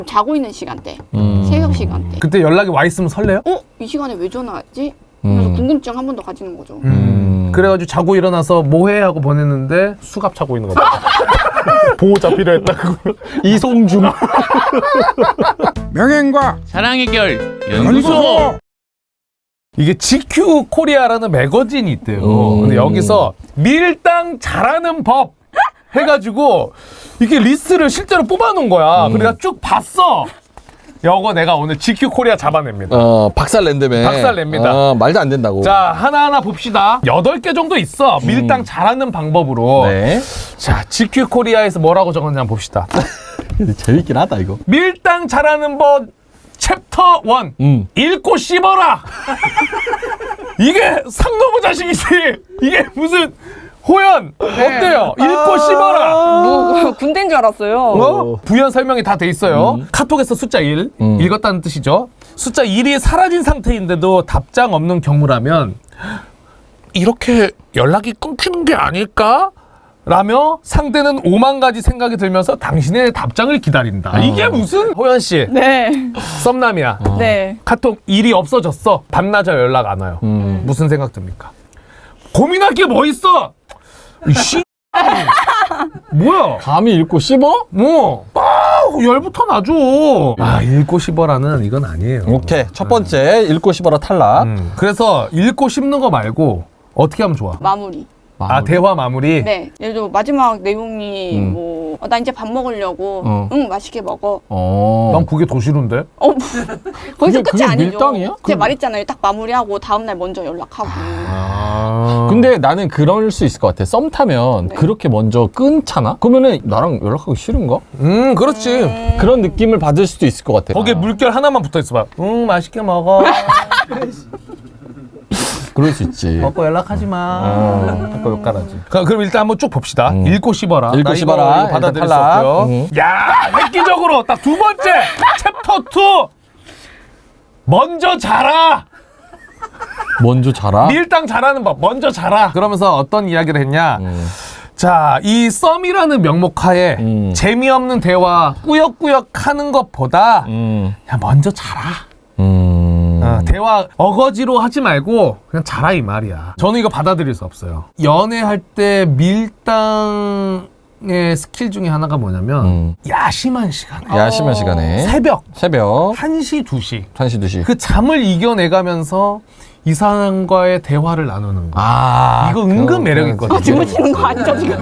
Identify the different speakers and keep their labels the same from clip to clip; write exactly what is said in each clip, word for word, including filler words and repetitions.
Speaker 1: 자고 있는 시간대,
Speaker 2: 음.
Speaker 1: 새벽 시간대.
Speaker 3: 그때 연락이 와 있으면 설레요?
Speaker 1: 어? 이 시간에 왜 전화하지? 그래서
Speaker 2: 음.
Speaker 1: 궁금증 한 번 더 가지는 거죠.
Speaker 3: 음. 음. 그래가지고 자고 일어나서 뭐해 하고 보냈는데 수갑 차고 있는 거다. 보호자 필요했다고.
Speaker 2: 이송중.
Speaker 4: 명예과
Speaker 5: 사랑의 결
Speaker 4: 연구소.
Speaker 5: 연구소.
Speaker 3: 이게 지큐 코리아라는 매거진이 있대요.
Speaker 2: 음.
Speaker 3: 근데 여기서 밀당 잘하는 법 해가지고 이게 리스트를 실제로 뽑아놓은 거야.
Speaker 2: 음.
Speaker 3: 그래서 내가 쭉 봤어. 이거 내가 오늘 지큐 코리아 잡아냅니다.
Speaker 2: 어, 박살 낸다며.
Speaker 3: 박살 냅니다.
Speaker 2: 어, 말도 안 된다고.
Speaker 3: 자, 하나하나 봅시다. 여덟 개 정도 있어. 밀당 잘하는 방법으로.
Speaker 2: 네.
Speaker 3: 자, 지큐 코리아에서 뭐라고 적었는지 한번 봅시다.
Speaker 2: 재밌긴 하다, 이거.
Speaker 3: 밀당 잘하는 법 챕터 일.
Speaker 2: 음.
Speaker 3: 읽고 씹어라. 이게 상노부 자식이지. 이게 무슨 호연 어때요? 읽고 씹어라.
Speaker 1: 뭐 군대인 줄 알았어요.
Speaker 3: 어? 부연 설명이 다 돼 있어요.
Speaker 2: 음.
Speaker 3: 카톡에서 숫자 일
Speaker 2: 음.
Speaker 3: 읽었다는 뜻이죠. 숫자 일이 사라진 상태인데도 답장 없는 경우라면 이렇게 연락이 끊기는 게 아닐까? 라며 상대는 오만 가지 생각이 들면서 당신의 답장을 기다린다.
Speaker 2: 어.
Speaker 3: 이게 무슨 호연 씨
Speaker 1: 네.
Speaker 3: 썸남이야.
Speaker 1: 네.
Speaker 3: 카톡 일이 없어졌어. 밤낮에 연락 안 와요.
Speaker 2: 음.
Speaker 3: 무슨 생각 듭니까? 고민할 게 뭐 있어? 이 씨. 뭐야?
Speaker 2: 감히 읽고 씹어?
Speaker 3: 뭐? 아, 열부터 나죠. 아, 읽고 씹어라는 이건 아니에요.
Speaker 2: 오케이. 첫 번째, 읽고 씹어라 탈락.
Speaker 3: 음. 그래서 읽고 씹는 거 말고 어떻게 하면 좋아?
Speaker 1: 마무리.
Speaker 3: 아, 대화 마무리?
Speaker 1: 네. 예를 들어 마지막 내용이
Speaker 2: 음.
Speaker 1: 뭐, 어, 나 이제 밥 먹으려고.
Speaker 2: 어.
Speaker 1: 응, 맛있게 먹어.
Speaker 2: 어.
Speaker 3: 난 그게 더 싫은데?
Speaker 1: 어, 뭐, 거기서
Speaker 2: 그게-
Speaker 1: 끝이
Speaker 2: 그게
Speaker 1: 아니죠.
Speaker 2: 밀당이야?
Speaker 1: 제가
Speaker 2: 그럼-
Speaker 1: 말했잖아요. 딱 마무리하고 다음날 먼저 연락하고.
Speaker 3: 아.
Speaker 2: 근데 나는 그럴 수 있을 것 같아. 썸 타면
Speaker 1: 네.
Speaker 2: 그렇게 먼저 끊잖아? 그러면은 나랑 연락하기 싫은가?
Speaker 3: 음, 그렇지.
Speaker 1: 음.
Speaker 2: 그런 느낌을 받을 수도 있을 것 같아.
Speaker 3: 거기에 물결 하나만 붙어 있어 봐. 응, 맛있게 먹어.
Speaker 2: 그럴 수 있지.
Speaker 3: 먹고 연락하지 마.
Speaker 2: 어.
Speaker 3: 아까 욕가라지. 그럼 일단 한번 쭉 봅시다.
Speaker 2: 음.
Speaker 3: 읽고 씹어라.
Speaker 2: 읽고
Speaker 3: 나 이거
Speaker 2: 씹어라.
Speaker 3: 이거 받아들일
Speaker 2: 일단
Speaker 3: 수
Speaker 2: 탈락.
Speaker 3: 없고요.
Speaker 2: 음.
Speaker 3: 야, 획기적으로 딱 두 번째 챕터 이. 먼저 자라.
Speaker 2: 먼저 자라?
Speaker 3: 밀당 잘하는 법. 먼저 자라. 그러면서 어떤 이야기를 했냐?
Speaker 2: 음.
Speaker 3: 자, 이 썸이라는 명목하에
Speaker 2: 음.
Speaker 3: 재미없는 대화 꾸역꾸역 하는 것보다
Speaker 2: 음.
Speaker 3: 그냥 먼저 자라.
Speaker 2: 음.
Speaker 3: 어, 대화 어거지로 하지 말고 그냥 자라 이 말이야. 저는 이거 받아들일 수 없어요. 연애할 때 밀당의 스킬 중에 하나가 뭐냐면
Speaker 2: 음.
Speaker 3: 야심한 시간에
Speaker 2: 야심한 시간에.
Speaker 3: 새벽
Speaker 2: 새벽.
Speaker 3: 한 시, 두 시
Speaker 2: 한 시, 두 시.
Speaker 3: 그 잠을 이겨내가면서 이 사람과의 대화를 나누는 거.
Speaker 2: 아.
Speaker 3: 이거 은근
Speaker 2: 그거-
Speaker 3: 매력
Speaker 2: 그거-
Speaker 3: 있거든요.
Speaker 1: 아, 주무시는 거 아니죠, 지금?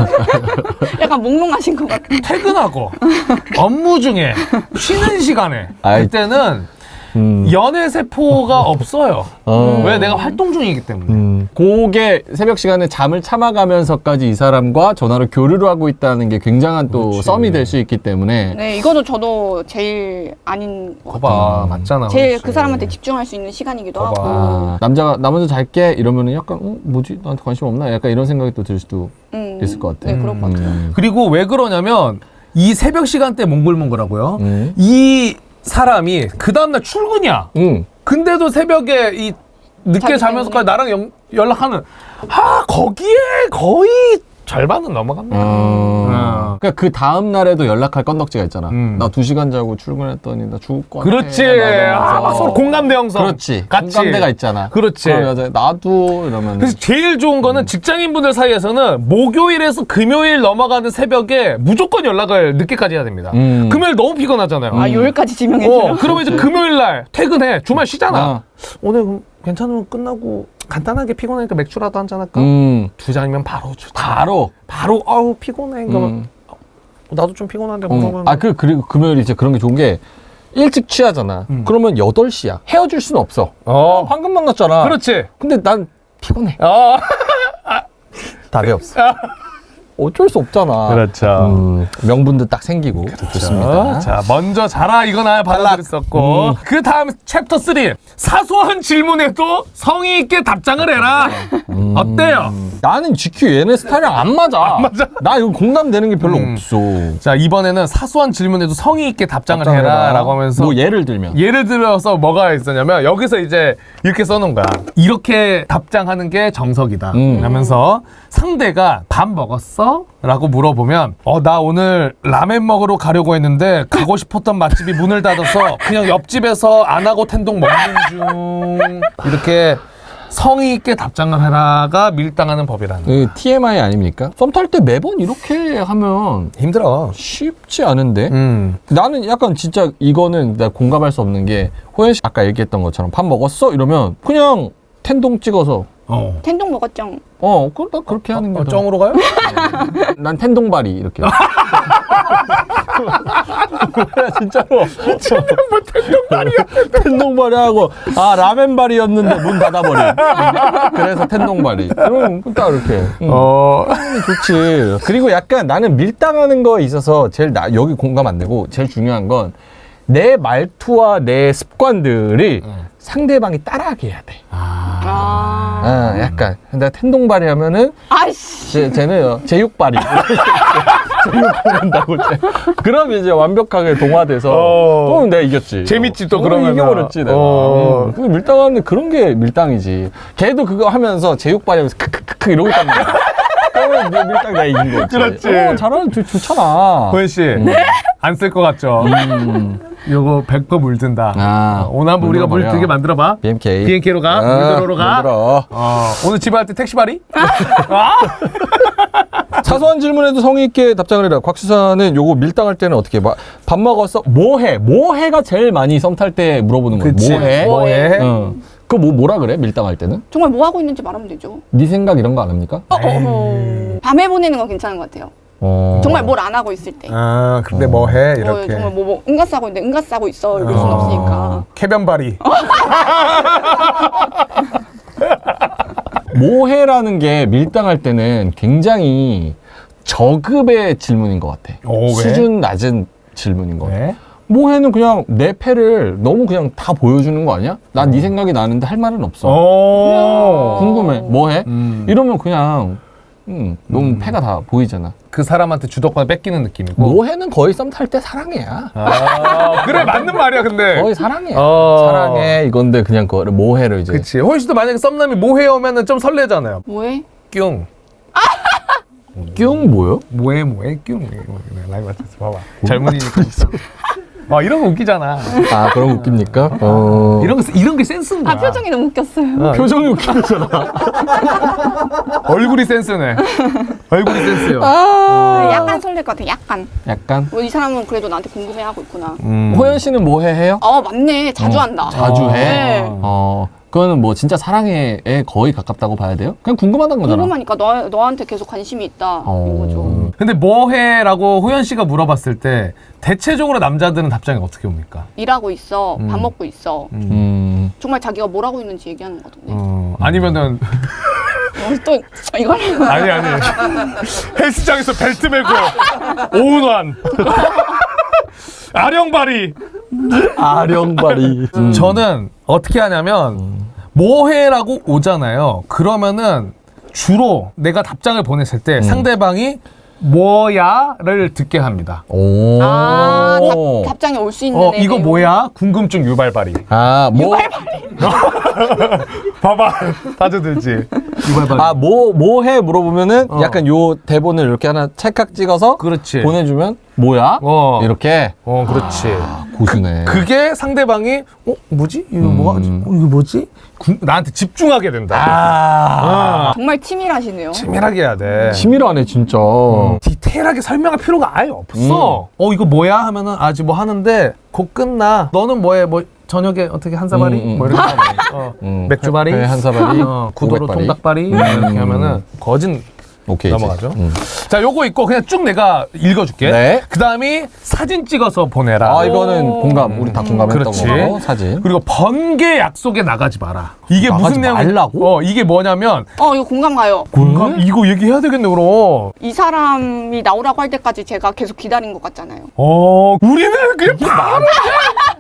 Speaker 1: 약간 몽롱하신 것 같아요.
Speaker 3: 퇴근하고 업무 중에 쉬는 시간에
Speaker 2: 아이.
Speaker 3: 그때는
Speaker 2: 음.
Speaker 3: 연애 세포가 없어요.
Speaker 2: 어.
Speaker 3: 왜? 내가 활동 중이기 때문에.
Speaker 2: 음. 그게 새벽 시간에 잠을 참아가면서까지 이 사람과 전화로 교류를 하고 있다는 게 굉장한 또
Speaker 3: 그렇지.
Speaker 2: 썸이 될 수 있기 때문에
Speaker 1: 네, 이거는 저도 제일 아닌 것 같아요.
Speaker 3: 거봐, 맞잖아.
Speaker 1: 제일
Speaker 3: 그렇지.
Speaker 1: 그 사람한테 집중할 수 있는 시간이기도
Speaker 3: 거봐.
Speaker 1: 하고.
Speaker 2: 아, 남자가 나 먼저 잘게 이러면은 약간 어, 뭐지? 나한테 관심 없나? 약간 이런 생각이 또 들 수도
Speaker 1: 음,
Speaker 2: 있을 것 같아.
Speaker 1: 네, 그럴 것 같아요.
Speaker 2: 음.
Speaker 3: 그리고 왜 그러냐면 이 새벽 시간대 몽글몽글하고요.
Speaker 2: 음.
Speaker 3: 이 사람이 그 다음날 출근이야.
Speaker 2: 음.
Speaker 3: 근데도 새벽에 이 늦게
Speaker 1: 자기
Speaker 3: 자면서까지
Speaker 1: 때문에.
Speaker 3: 나랑 연, 연락하는 아 거기에 거의 절반은 넘어갑니다.
Speaker 2: 어. 그러니까 그 다음 날에도 연락할 건덕지가 있잖아.
Speaker 3: 음.
Speaker 2: 나 두 시간 자고 출근했더니 나 죽을 것 같아.
Speaker 3: 그렇지.
Speaker 2: 막 이러면서.
Speaker 3: 아, 막 서로 공감대 형성.
Speaker 2: 그렇지.
Speaker 3: 같이.
Speaker 2: 공감대가 있잖아.
Speaker 3: 그렇지.
Speaker 2: 그럼 여자 나도 이러면.
Speaker 3: 그래서 제일 좋은 거는 직장인분들 사이에서는 목요일에서 금요일 넘어가는 새벽에 무조건 연락을 늦게까지 해야 됩니다.
Speaker 2: 음.
Speaker 3: 금요일 너무 피곤하잖아요.
Speaker 1: 아, 요일까지 지명해줘요?
Speaker 3: 어, 그러면 이제 금요일 날 퇴근해. 주말 쉬잖아.
Speaker 2: 어.
Speaker 3: 오늘 그럼 괜찮으면 끝나고 간단하게 피곤하니까 맥주라도 한잔 할까?
Speaker 2: 음.
Speaker 3: 두 잔이면 바로 주자.
Speaker 2: 바로.
Speaker 3: 바로 아우 피곤해. 그러면
Speaker 2: 음.
Speaker 3: 어, 나도 좀 피곤한데
Speaker 2: 음.
Speaker 3: 그러면
Speaker 2: 아, 그, 그리고 금요일 이제 그런 게 좋은 게 일찍 취하잖아.
Speaker 3: 음.
Speaker 2: 그러면 여덟 시야. 헤어질 수는 없어.
Speaker 3: 어.
Speaker 2: 방금 만났잖아.
Speaker 3: 그렇지.
Speaker 2: 근데 난 피곤해.
Speaker 3: 어.
Speaker 2: 답이 없어. 어쩔 수 없잖아.
Speaker 3: 그렇죠.
Speaker 2: 음, 명분도 딱 생기고. 좋습니다.
Speaker 3: 자, 먼저 자라 이건 아예 받아들였었고.
Speaker 2: 음.
Speaker 3: 그 다음 챕터 삼. 사소한 질문에도 성의 있게 답장을 해라.
Speaker 2: 음.
Speaker 3: 어때요?
Speaker 2: 나는 지큐 얘네 스타일이랑 안 맞아.
Speaker 3: 안 맞아?
Speaker 2: 나 이거 공감되는 게 별로
Speaker 3: 음.
Speaker 2: 없어.
Speaker 3: 자, 이번에는 사소한 질문에도 성의 있게 답장을,
Speaker 2: 답장을
Speaker 3: 해라.
Speaker 2: 해라.
Speaker 3: 라고 하면서
Speaker 2: 뭐 예를 들면.
Speaker 3: 예를 들어서 뭐가 있었냐면 여기서 이제 이렇게 써놓은 거야. 이렇게 답장하는 게 정석이다.
Speaker 2: 음.
Speaker 3: 하면서 상대가 밥 먹었어? 있어? 라고 물어보면 어, 나 오늘 라멘 먹으러 가려고 했는데 가고 싶었던 맛집이 문을 닫아서 그냥 옆집에서 안 하고 텐동 먹는 중. 이렇게 성의 있게 답장을 하라가 밀당하는 법이라는 거야.
Speaker 2: 그 티엠아이 아닙니까? 썸 탈 때 매번 이렇게 하면
Speaker 3: 힘들어.
Speaker 2: 쉽지 않은데.
Speaker 3: 음.
Speaker 2: 나는 약간 진짜 이거는 나 공감할 수 없는 게 호연 씨 아까 얘기했던 것처럼 밥 먹었어? 이러면 그냥 텐동 찍어서
Speaker 3: 어.
Speaker 1: 텐동 먹었죠.
Speaker 2: 어, 그, 나 그렇게 하는 게
Speaker 3: 어,
Speaker 2: 더.
Speaker 3: 정으로 가요?
Speaker 2: 난 텐동바리 이렇게. 진짜로.
Speaker 3: 뭐 텐동발이야.
Speaker 2: 텐동바리 하고 아 라멘바리였는데 문 닫아버린. 그래서 텐동바리. 그럼 딱 이렇게. 응.
Speaker 3: 어.
Speaker 2: 좋지. 그리고 약간 나는 밀당하는 거에 있어서 제일 나 여기 공감 안 되고 제일 중요한 건 내 말투와 내 습관들이
Speaker 3: 응.
Speaker 2: 상대방이 따라하게 해야 돼.
Speaker 3: 아.
Speaker 1: 아,
Speaker 2: 아, 약간 내가 텐동바리 하면은
Speaker 1: 아이씨.
Speaker 2: 제, 쟤는 제육바리. 제육 먹는다고 쟤. 그럼 이제 완벽하게 동화돼서
Speaker 3: 어.
Speaker 2: 그럼 내가 이겼지.
Speaker 3: 재밌지, 또
Speaker 2: 어,
Speaker 3: 그러면은.
Speaker 2: 이겨버렸지 내가.
Speaker 3: 어.
Speaker 2: 음. 그 밀당하는데 그런 게 밀당이지. 걔도 그거 하면서 제육바리 하면서 크크크크 이러고 있단 말이야. 그러면 이제 밀당 내가 이긴 거지.
Speaker 3: 그렇지.
Speaker 2: 어, 잘하는 좋, 좋잖아.
Speaker 3: 호연 씨. 안 쓸 것 같죠?
Speaker 2: 음.
Speaker 3: 요거 백 번 물든다.
Speaker 2: 아,
Speaker 3: 어, 오늘 한번 우리가 물
Speaker 2: 물어버려.
Speaker 3: 들게 만들어봐.
Speaker 2: 비엠케이.
Speaker 3: 비엔케이로 가?
Speaker 2: 아,
Speaker 3: 물들어로 가?
Speaker 2: 물들어.
Speaker 3: 어, 오늘 집에 갈 때 택시발이?
Speaker 2: 사소한 질문에도 성의 있게 답장을 해라. 곽수사는 요거 밀당할 때는 어떻게 해? 밥 먹었어? 뭐 해? 뭐 해가 제일 많이 썸 탈 때 물어보는 거야.
Speaker 3: 그치.
Speaker 2: 뭐 해?
Speaker 1: 뭐 해?
Speaker 2: 어. 그거 뭐 뭐라 그래? 밀당할 때는?
Speaker 1: 정말 뭐 하고 있는지 말하면 되죠.
Speaker 2: 네 생각 이런 거 안 합니까?
Speaker 1: 어, 어, 어. 밤에 보내는 건 괜찮은 것 같아요.
Speaker 2: 어.
Speaker 1: 정말 뭘 안 하고 있을 때.
Speaker 3: 아, 근데 뭐 해? 이렇게.
Speaker 1: 어, 정말 뭐, 뭐 응가 싸고 있는데 응가 싸고 있어 이럴 순
Speaker 2: 어.
Speaker 1: 없으니까.
Speaker 3: 캐변발이.
Speaker 2: 뭐해라는 게 밀당할 때는 굉장히 저급의 질문인 것 같아.
Speaker 3: 오, 왜?
Speaker 2: 수준 낮은 질문인 것 같아.
Speaker 3: 왜?
Speaker 2: 뭐해는 그냥 내 패를 너무 그냥 다 보여주는 거 아니야? 난 네 생각이 나는데 할 말은 없어.
Speaker 3: 오.
Speaker 2: 궁금해. 뭐해?
Speaker 3: 음.
Speaker 2: 이러면 그냥 음, 너무 패가 다 보이잖아.
Speaker 3: 그 사람한테 주도권을 뺏기는 느낌이고.
Speaker 2: 뭐해는 거의 썸 탈 때 사랑해야.
Speaker 3: 아, 그래, 맞는 말이야, 근데.
Speaker 2: 거의 사랑해.
Speaker 3: 어.
Speaker 2: 사랑해. 이건데 그냥 그거를 뭐해를 이제.
Speaker 3: 그치. 호연 씨도 만약에 썸남이 뭐해 오면은 좀 설레잖아요.
Speaker 1: 뭐해?
Speaker 3: 뀨.
Speaker 2: 뀨 뭐요?
Speaker 3: 뭐해, 뭐해, 뀨. 라이브 맞췄어. 봐봐. 젊은이니까. 어, 이런 거 웃기잖아.
Speaker 2: 아 그럼 웃깁니까? 어.
Speaker 3: 이런 거, 이런 게 센스인 거야.
Speaker 1: 아 표정이 너무 웃겼어요.
Speaker 3: 어,
Speaker 2: 표정이 웃기잖아.
Speaker 3: 얼굴이 센스네. 얼굴이 센스요.
Speaker 1: 아, 약간 설렐 것 같아. 약간.
Speaker 2: 약간.
Speaker 1: 뭐 이 사람은 그래도 나한테 궁금해하고 있구나.
Speaker 3: 음.
Speaker 2: 호연 씨는 뭐해 해요?
Speaker 1: 어 맞네. 자주
Speaker 2: 어,
Speaker 1: 한다.
Speaker 2: 자주 해?
Speaker 1: 네.
Speaker 2: 어, 그거는 뭐 진짜 사랑해에 거의 가깝다고 봐야 돼요? 그냥 궁금하다는 거잖아.
Speaker 1: 궁금하니까 너 너한테 계속 관심이 있다.
Speaker 2: 어.
Speaker 1: 이거죠.
Speaker 3: 근데 뭐해라고 호연 씨가 물어봤을 때 대체적으로 남자들은 답장이 어떻게 옵니까?
Speaker 1: 일하고 있어.
Speaker 3: 음.
Speaker 1: 밥 먹고 있어.
Speaker 2: 음.
Speaker 1: 정말 자기가 뭘 하고 있는지 얘기하는 거던데.
Speaker 3: 어, 아니면은
Speaker 1: 어, 또 이걸
Speaker 3: 아니 아니 헬스장에서 벨트 매고 오운환 아령바리.
Speaker 2: 아령바리. 음.
Speaker 3: 저는 어떻게 하냐면 뭐해라고 오잖아요. 그러면은 주로 내가 답장을 보냈을 때 상대방이 뭐야를 듣게 합니다.
Speaker 2: 오.
Speaker 1: 아 답, 답장이 올 수 있는
Speaker 3: 어
Speaker 1: 애네요.
Speaker 3: 이거 뭐야? 궁금증 유발발이.
Speaker 2: 아, 뭐.
Speaker 3: 봐봐 다져들지. 유발발이.
Speaker 2: 아, 뭐, 뭐 해? 물어보면은
Speaker 3: 어.
Speaker 2: 약간 요 대본을 이렇게 하나 찰칵 찍어서
Speaker 3: 그렇지.
Speaker 2: 보내주면 뭐야?
Speaker 3: 어.
Speaker 2: 이렇게.
Speaker 3: 어 그렇지.
Speaker 2: 고수네.
Speaker 3: 그게 상대방이 어 뭐지? 이거
Speaker 2: 음.
Speaker 3: 뭐가 어, 이거 뭐지? 구- 나한테 집중하게 된다.
Speaker 2: 아.
Speaker 3: 어.
Speaker 1: 정말 치밀하시네요.
Speaker 3: 치밀하게 해야 돼.
Speaker 2: 치밀하네, 진짜.
Speaker 3: 디테일하게 설명할 필요가 아예 없어. 어 이거 뭐야 하면은 아직 뭐 하는데 곧 끝나. 너는 뭐해? 뭐 저녁에 어떻게 한사발이?
Speaker 2: 음, 음.
Speaker 3: 뭐 이렇게 하면 어.
Speaker 2: 음.
Speaker 3: 맥주발이?
Speaker 2: 회 한사발이?
Speaker 3: 어, 구도로
Speaker 2: 오백발이?
Speaker 3: 통닭발이?
Speaker 2: 음.
Speaker 3: 이렇게 하면은 거진
Speaker 2: 오케이.
Speaker 3: 넘어가죠.
Speaker 2: 음.
Speaker 3: 자 요거 있고 그냥 쭉 내가 읽어줄게.
Speaker 2: 네.
Speaker 3: 그 다음이 사진 찍어서 보내라.
Speaker 2: 아, 이거는 공감. 우리 다 공감했던
Speaker 3: 그렇지.
Speaker 2: 거. 사진.
Speaker 3: 그리고 번개 약속에 나가지 마라. 이게
Speaker 2: 나가지
Speaker 3: 무슨 내용?
Speaker 2: 말라고?
Speaker 3: 어 이게 뭐냐면
Speaker 1: 어 이거 공감 가요.
Speaker 3: 공감 이거 얘기해야 되겠네 그럼.
Speaker 1: 이 사람이 나오라고 할 때까지 제가 계속 기다린 것 같잖아요.
Speaker 3: 어 우리는 그냥 바로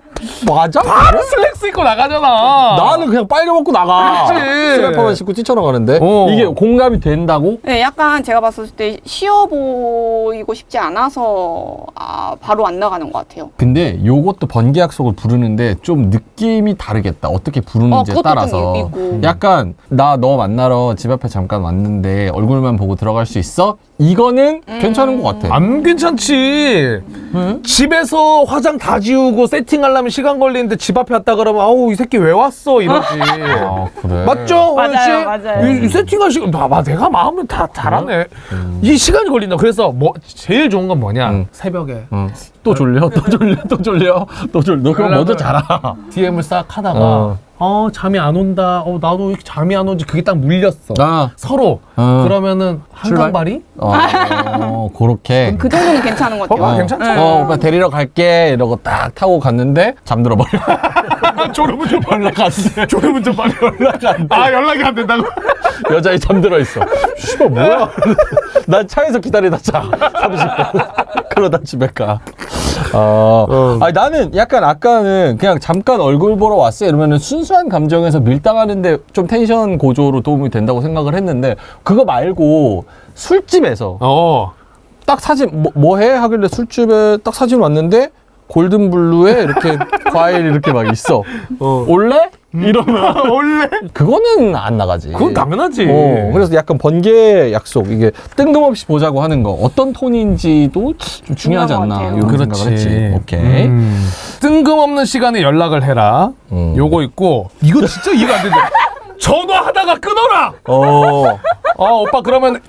Speaker 2: 맞아?
Speaker 3: 바로 슬랙스 입고 나가잖아.
Speaker 2: 나는 그냥 빨개 먹고 나가.
Speaker 3: 그렇지.
Speaker 2: 슬래퍼만 신고 뛰쳐나가는데
Speaker 3: 어.
Speaker 2: 이게 공감이 된다고?
Speaker 1: 네, 약간 제가 봤을 때 쉬워 보이고 싶지 않아서 아, 바로 안 나가는 것 같아요.
Speaker 2: 근데 요것도 번개 약속을 부르는데 좀 느낌이 다르겠다. 어떻게
Speaker 1: 어,
Speaker 2: 부르는지에
Speaker 1: 그것도
Speaker 2: 따라서.
Speaker 1: 좀 있고.
Speaker 2: 약간 나 너 만나러 집 앞에 잠깐 왔는데 얼굴만 보고 들어갈 수 있어? 이거는
Speaker 1: 음.
Speaker 2: 괜찮은 것 같아.
Speaker 3: 안 괜찮지.
Speaker 2: 응?
Speaker 3: 집에서 화장 다 지우고 세팅하려면 시간 걸리는데 집 앞에 왔다 그러면 아우 이 새끼 왜 왔어 이러지.
Speaker 2: 아, 그래.
Speaker 3: 맞죠?
Speaker 1: 맞아요,
Speaker 3: 호연 씨?
Speaker 1: 맞아요.
Speaker 3: 이, 이 세팅할 시간 봐봐 내가 마음을 다 잘하네.
Speaker 2: 음.
Speaker 3: 이 시간이 걸린다. 그래서 뭐 제일 좋은 건 뭐냐?
Speaker 2: 음.
Speaker 3: 새벽에
Speaker 2: 응. 또 졸려? 또 졸려? 또 졸려? 또 졸려? 너 그럼 먼저 자라.
Speaker 3: 디엠을 싹 하다가
Speaker 2: 어.
Speaker 3: 어. 잠이 안 온다. 어 나도 왜 이렇게 잠이 안 오지? 그게 딱 물렸어.
Speaker 2: 아.
Speaker 3: 서로.
Speaker 2: 어.
Speaker 3: 그러면은
Speaker 2: 출발?
Speaker 3: 한강발이?
Speaker 2: 어, 그렇게.
Speaker 1: 그 정도는 괜찮은 것 같아요.
Speaker 3: 봐봐 괜찮죠?
Speaker 2: 어, 오빠 데리러 갈게. 이러고 딱 타고 갔는데 잠들어 버려.
Speaker 3: 졸음은 좀
Speaker 2: 연락 안 돼.
Speaker 3: 졸음은 좀 빨리 연락 안 돼. 아 연락이 안 된다고?
Speaker 2: 여자애 잠들어 있어. 씨발 뭐야? 난 차에서 기다리다 자. 삼십 분. 그러다 집에 가. 어. 아니 나는 약간 아까는 그냥 잠깐 얼굴 보러 왔어 이러면은 순수한 감정에서 밀당하는데 좀 텐션 고조로 도움이 된다고 생각을 했는데 그거 말고 술집에서
Speaker 3: 어.
Speaker 2: 딱 사진 뭐, 뭐 해? 하길래 술집에 딱 사진 왔는데 골든블루에 이렇게 과일 이렇게 막 있어.
Speaker 3: 어.
Speaker 2: 올래? 이러면
Speaker 3: 원래
Speaker 2: 그거는 안 나가지.
Speaker 3: 그건 당연하지.
Speaker 2: 어, 그래서 약간 번개 약속 이게 뜬금없이 보자고 하는 거 어떤 톤인지도 좀 중요하지
Speaker 1: 중요한 것
Speaker 2: 않나
Speaker 1: 같아요.
Speaker 2: 이런
Speaker 3: 그렇지.
Speaker 2: 생각을 했지. 오케이.
Speaker 3: 음. 뜬금없는 시간에 연락을 해라.
Speaker 2: 음.
Speaker 3: 요거 있고 이거 진짜 이해가 안 된다. 전화하다가 끊어라.
Speaker 2: 어.
Speaker 3: 아 오빠 그러면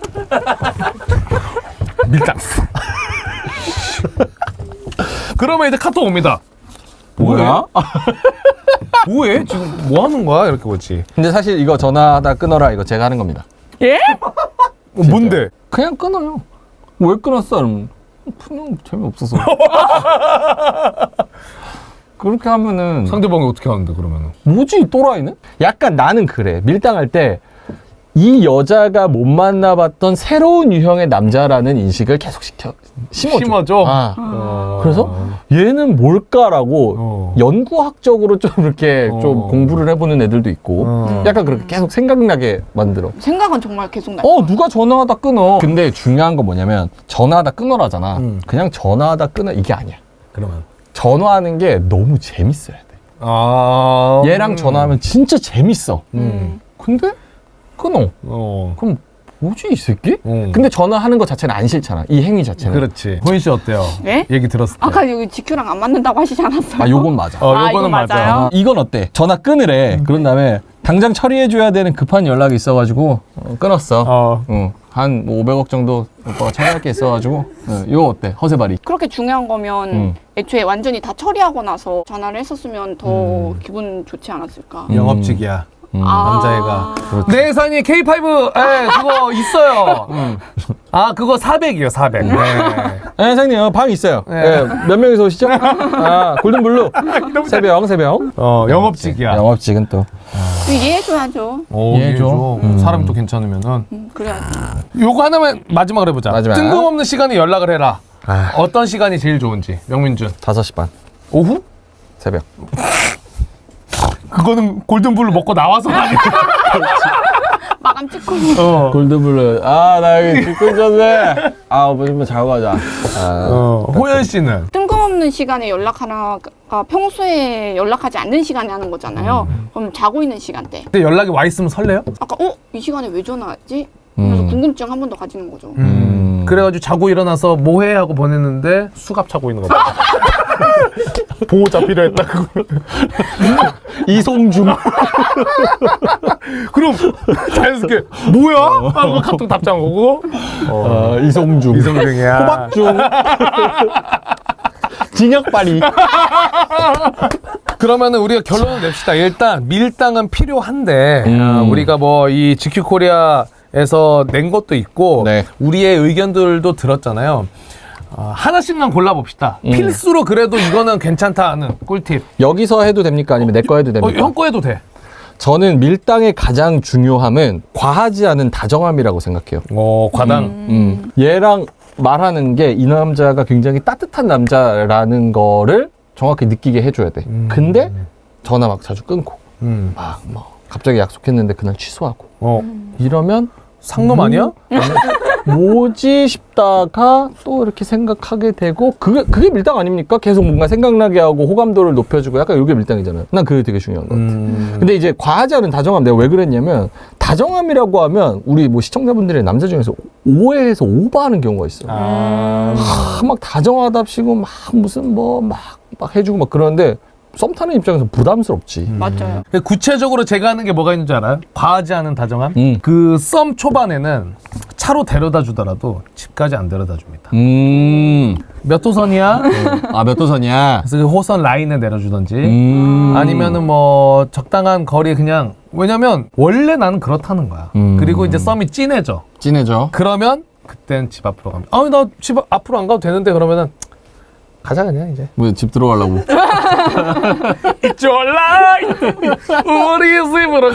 Speaker 3: 밀당. 그러면 이제 카톡 옵니다.
Speaker 2: 뭐야?
Speaker 3: 뭐해? 지금 뭐 하는 거야? 이렇게 오지.
Speaker 2: 근데 사실 이거 전화하다 끊어라 이거 제가 하는 겁니다.
Speaker 1: 예?
Speaker 3: 어, 뭔데?
Speaker 2: 그냥 끊어요. 왜 끊었어? 그러면 그냥 재미없어서. 그렇게 하면은
Speaker 3: 상대방이 어떻게 하는데 그러면은?
Speaker 2: 뭐지 이 또라이는? 약간 나는 그래. 밀당할 때 이 여자가 못 만나봤던 새로운 유형의 남자라는 인식을 계속 시켜 심어줘.
Speaker 3: 심어줘?
Speaker 2: 아.
Speaker 3: 어.
Speaker 2: 그래서 얘는 뭘까라고
Speaker 3: 어.
Speaker 2: 연구학적으로 좀 이렇게
Speaker 3: 어.
Speaker 2: 좀 공부를 해보는 애들도 있고
Speaker 3: 어.
Speaker 2: 약간 그렇게 계속 생각나게 만들어.
Speaker 1: 생각은 정말 계속 나요.
Speaker 2: 어 누가 전화하다 끊어. 근데 중요한 건 뭐냐면 전화하다 끊어라잖아.
Speaker 3: 음.
Speaker 2: 그냥 전화하다 끊어 이게 아니야.
Speaker 3: 그러면
Speaker 2: 전화하는 게 너무 재밌어야 돼.
Speaker 3: 아
Speaker 2: 얘랑 전화하면 진짜 재밌어.
Speaker 3: 음.
Speaker 2: 근데 끊어.
Speaker 3: 어.
Speaker 2: 그럼 뭐지 이 새끼?
Speaker 3: 음.
Speaker 2: 근데 전화하는 거 자체는 안 싫잖아. 이 행위 자체는.
Speaker 3: 그렇지. 호인 씨 어때요?
Speaker 1: 네?
Speaker 3: 얘기 들었을 때.
Speaker 1: 아까 여기 지큐랑 안 맞는다고 하시지 않았어요?
Speaker 2: 아 요건 맞아.
Speaker 3: 어,
Speaker 1: 아,
Speaker 3: 요거는
Speaker 1: 이거
Speaker 3: 맞아.
Speaker 1: 맞아요?
Speaker 2: 아, 이건 어때? 전화 끊으래. 그런 다음에 당장 처리해줘야 되는 급한 연락이 있어가지고 어, 끊었어.
Speaker 3: 어.
Speaker 2: 응. 한 뭐 오백억 정도 오빠가 처리할 게 있어가지고 어, 이거 어때? 허세발이.
Speaker 1: 그렇게 중요한 거면
Speaker 2: 음.
Speaker 1: 애초에 완전히 다 처리하고 나서 전화를 했었으면 더
Speaker 2: 음.
Speaker 1: 기분 좋지 않았을까?
Speaker 2: 음.
Speaker 3: 영업직이야.
Speaker 2: 음.
Speaker 1: 아.
Speaker 3: 남자애가.
Speaker 2: 그렇지.
Speaker 3: 네, 사장님 케이 파이브 예, 그거 있어요. 아, 그거 사백이요, 사백. 네.
Speaker 2: 네, 사장님 어, 방 있어요.
Speaker 3: 네.
Speaker 2: 예, 몇 명이서 오시죠? 아 골든블루 세병 세병.
Speaker 3: 어, 영업직이야.
Speaker 2: 영업직은 또
Speaker 1: 이해해줘야죠.
Speaker 3: 오,
Speaker 2: 이해해줘.
Speaker 3: 이해해줘.
Speaker 2: 음.
Speaker 3: 사람이 또 괜찮으면은.
Speaker 1: 음, 그래야지.
Speaker 3: 요거 하나만 마지막으로 해보자.
Speaker 2: 마지막.
Speaker 3: 뜬금없는 시간에 연락을 해라.
Speaker 2: 아,
Speaker 3: 어떤 시간이 제일 좋은지. 명민준.
Speaker 2: 다섯 시 반
Speaker 3: 오후?
Speaker 2: 새벽.
Speaker 3: 그거는 골든블루 먹고 나와서 아니야.
Speaker 1: 마감 찍고.
Speaker 3: 어.
Speaker 2: 골든블루. 아 나 여기 죽고 있었네. 아 오빠 좀 자고 가자. 아,
Speaker 3: 어. 호연 씨는?
Speaker 1: 뜬금없는 시간에 연락하나가 평소에 연락하지 않는 시간에 하는 거잖아요. 그럼 자고 있는 시간대.
Speaker 3: 근데 연락이 와 있으면 설레요?
Speaker 1: 아까 어? 이 시간에 왜 전화하지? 그래서
Speaker 2: 음.
Speaker 1: 궁금증 한 번 더 가지는 거죠.
Speaker 2: 음.
Speaker 3: 그래가지고 자고 일어나서 뭐해 하고 보냈는데 수갑 차고 있는 거 봐. 보호자 필요했다고.
Speaker 2: 이송중.
Speaker 3: 그럼 자연스럽게 뭐야? 하고 카톡 답장 오고. 어.
Speaker 2: 어, 이송중.
Speaker 3: 이성중이야.
Speaker 2: 호박중. 진혁발이.
Speaker 3: 그러면은 우리가 결론을 냅시다. 일단 밀당은 필요한데
Speaker 2: 음.
Speaker 3: 어, 우리가 뭐 이 지큐 코리아에서 낸 것도 있고
Speaker 2: 네.
Speaker 3: 우리의 의견들도 들었잖아요. 어, 하나씩만 골라봅시다.
Speaker 2: 음.
Speaker 3: 필수로 그래도 이거는 괜찮다 하는 꿀팁.
Speaker 2: 여기서 해도 됩니까? 아니면 내 거 해도
Speaker 3: 어,
Speaker 2: 됩니까?
Speaker 3: 형 거 해도 돼.
Speaker 2: 저는 밀당의 가장 중요함은 과하지 않은 다정함이라고 생각해요.
Speaker 3: 어, 과당.
Speaker 2: 음. 얘랑 말하는 게 이 남자가 굉장히 따뜻한 남자라는 거를 정확히 느끼게 해줘야 돼.
Speaker 3: 음.
Speaker 2: 근데 전화 막 자주 끊고
Speaker 3: 음.
Speaker 2: 막 뭐 갑자기 약속했는데 그날 취소하고
Speaker 3: 어.
Speaker 2: 이러면
Speaker 3: 상놈 아니야?
Speaker 2: 뭐지 싶다가 또 이렇게 생각하게 되고 그게 그게 밀당 아닙니까? 계속 뭔가 생각나게 하고 호감도를 높여주고 약간 이게 밀당이잖아요. 난 그게 되게 중요한 것 같아.
Speaker 3: 음.
Speaker 2: 근데 이제 과하지 않은 다정함 내가 왜 그랬냐면 다정함이라고 하면 우리 뭐 시청자분들의 남자 중에서 오해해서 오버하는 경우가 있어.
Speaker 3: 아.
Speaker 2: 아, 막 다정하답시고 막 무슨 뭐 막 막 해주고 막 그러는데 썸 타는 입장에서 부담스럽지.
Speaker 1: 맞아요.
Speaker 3: 구체적으로 제가 하는 게 뭐가 있는 줄 알아요? 과하지 않은 다정함?
Speaker 2: 음.
Speaker 3: 그 썸 초반에는 차로 데려다 주더라도 집까지 안 데려다 줍니다.
Speaker 2: 음.
Speaker 3: 몇 호선이야?
Speaker 2: 아, 몇 도선이야?
Speaker 3: 그래서 그 호선 라인에 내려주던지
Speaker 2: 음.
Speaker 3: 아니면은 뭐 적당한 거리에 그냥 왜냐면 원래 나는 그렇다는 거야.
Speaker 2: 음.
Speaker 3: 그리고 이제 썸이 진해져.
Speaker 2: 진해져.
Speaker 3: 그러면 그땐 집 앞으로 가면 아니 나 집 앞으로 안 가도 되는데 그러면은 가자 그냥 이제
Speaker 2: 뭐 집 들어가려고.
Speaker 3: It's your life 우리 집으로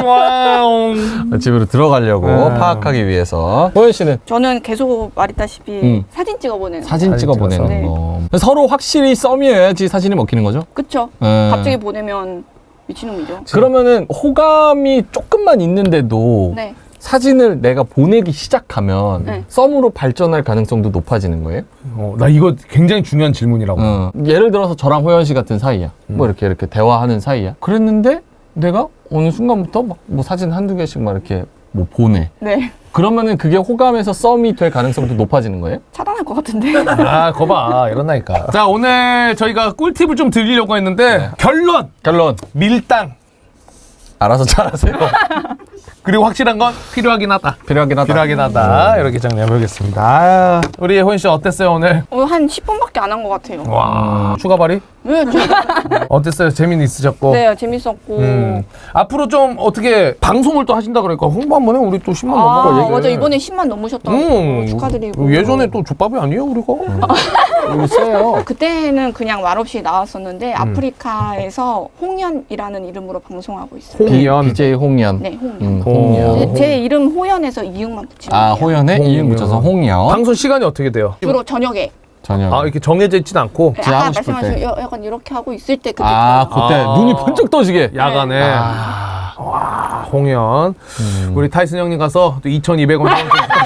Speaker 3: 가자.
Speaker 2: 집으로 들어가려고
Speaker 3: 음.
Speaker 2: 파악하기 위해서. 호연 씨는
Speaker 1: 저는 계속 말했다시피
Speaker 2: 음.
Speaker 1: 사진 찍어 보내는.
Speaker 2: 사진
Speaker 3: 사진
Speaker 2: 찍어
Speaker 3: 찍어서.
Speaker 2: 보내는
Speaker 1: 네.
Speaker 2: 거. 서로 확실히 썸이어야지 사진이 먹히는 거죠?
Speaker 1: 그쵸?
Speaker 2: 음.
Speaker 1: 갑자기 보내면 미친놈이죠.
Speaker 2: 그러면은 호감이 조금만 있는데도
Speaker 1: 네.
Speaker 2: 사진을 내가 보내기 시작하면
Speaker 1: 네.
Speaker 2: 썸으로 발전할 가능성도 높아지는 거예요?
Speaker 3: 어, 나 이거 굉장히 중요한 질문이라고.
Speaker 2: 어. 예를 들어서 저랑 호연 씨 같은 사이야. 뭐 이렇게 이렇게 대화하는 사이야. 그랬는데 내가 어느 순간부터 막 뭐 사진 한두 개씩 막 이렇게 뭐 보내.
Speaker 1: 네.
Speaker 2: 그러면은 그게 호감에서 썸이 될 가능성도 높아지는 거예요?
Speaker 1: 차단할 것 같은데.
Speaker 3: 아, 거봐. 이런다니까. 자, 오늘 저희가 꿀팁을 좀 드리려고 했는데
Speaker 2: 네.
Speaker 3: 결론!
Speaker 2: 결론.
Speaker 3: 밀당.
Speaker 2: 알아서 잘하세요.
Speaker 3: 그리고 확실한 건 필요하긴 하다.
Speaker 2: 필요하긴 하다.
Speaker 3: 필요하긴 하다. 이렇게 정리해보겠습니다. 아, 우리 호연 씨 어땠어요, 오늘?
Speaker 1: 어, 한 십 분밖에 안 한 것 같아요.
Speaker 3: 와, 추가 발이?
Speaker 1: 네, 저-
Speaker 3: 어땠어요? 재미는 있으셨고?
Speaker 1: 네, 재밌었고.
Speaker 3: 음. 앞으로 좀 어떻게 방송을 또 하신다 그러니까 홍보 한번 해. 우리 또 십만
Speaker 1: 아,
Speaker 3: 넘어가.
Speaker 1: 맞아. 이번에 십만 넘으셨다고
Speaker 3: 음,
Speaker 1: 축하드리고.
Speaker 3: 예전에 또 족밥이 아니에요, 우리가?
Speaker 2: 여기 세요.
Speaker 1: 그때는 그냥 말없이 나왔었는데
Speaker 3: 음.
Speaker 1: 아프리카에서 홍연이라는 이름으로 방송하고 있어요.
Speaker 3: 홍연.
Speaker 2: 비제이 홍연.
Speaker 1: 네, 홍연.
Speaker 2: 음,
Speaker 3: 오.
Speaker 2: 홍연.
Speaker 1: 제, 제 이름 호연에서 이응만 붙이면
Speaker 2: 아,
Speaker 1: 돼요.
Speaker 2: 호연에
Speaker 3: 홍연.
Speaker 2: 이응 붙여서 홍연.
Speaker 3: 방송 시간이 어떻게 돼요?
Speaker 1: 주로 저녁에.
Speaker 2: 저녁.
Speaker 3: 아, 이렇게 정해져 있진 않고
Speaker 1: 네,
Speaker 2: 그냥
Speaker 1: 아까
Speaker 2: 하고 싶을
Speaker 1: 말씀하신
Speaker 2: 때.
Speaker 1: 여- 약간 이렇게 하고 있을 때 그때.
Speaker 2: 아,
Speaker 1: 켜요.
Speaker 2: 그때
Speaker 3: 아.
Speaker 2: 눈이 번쩍 떠지게.
Speaker 3: 야간에.
Speaker 2: 아.
Speaker 3: 와, 홍연.
Speaker 2: 음.
Speaker 3: 우리 타이슨 형님 가서 또 이천이백 원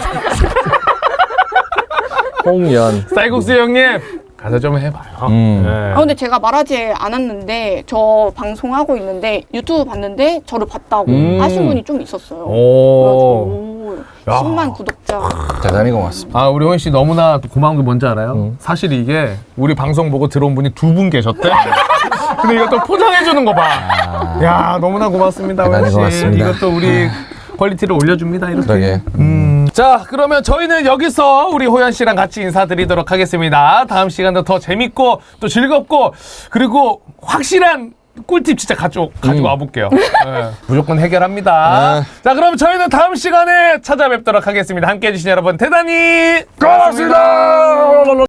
Speaker 2: 홍연.
Speaker 3: 쌀국수 형님 가서 좀 해봐요.
Speaker 2: 음.
Speaker 3: 네.
Speaker 1: 아 근데 제가 말하지 않았는데 저 방송하고 있는데 유튜브 봤는데 저를 봤다고
Speaker 2: 음.
Speaker 1: 하신 분이 좀 있었어요.
Speaker 3: 오.
Speaker 1: 그래가지고
Speaker 3: 야.
Speaker 1: 십만 구독자.
Speaker 2: 대단히 고맙습니다.
Speaker 3: 아, 우리 호연 씨 너무나 또 고마운 게 뭔지 알아요?
Speaker 2: 음.
Speaker 3: 사실 이게 우리 방송 보고 들어온 분이 두 분 계셨대. 근데 이것도 포장해주는 거 봐. 야, 너무나 고맙습니다,
Speaker 2: 대단히
Speaker 3: 호연 씨.
Speaker 2: 고맙습니다.
Speaker 3: 이것도 우리 퀄리티를 올려줍니다, 이렇게.
Speaker 2: 그러게.
Speaker 3: 음. 자, 그러면 저희는 여기서 우리 호연 씨랑 같이 인사드리도록 하겠습니다. 다음 시간도 더 재밌고 또 즐겁고 그리고 확실한 꿀팁 진짜 가져, 가지고
Speaker 2: 음.
Speaker 3: 와볼게요. 네, 무조건 해결합니다.
Speaker 2: 네.
Speaker 3: 자, 그럼 저희는 다음 시간에 찾아뵙도록 하겠습니다. 함께 해주신 여러분 대단히
Speaker 2: 고맙습니다.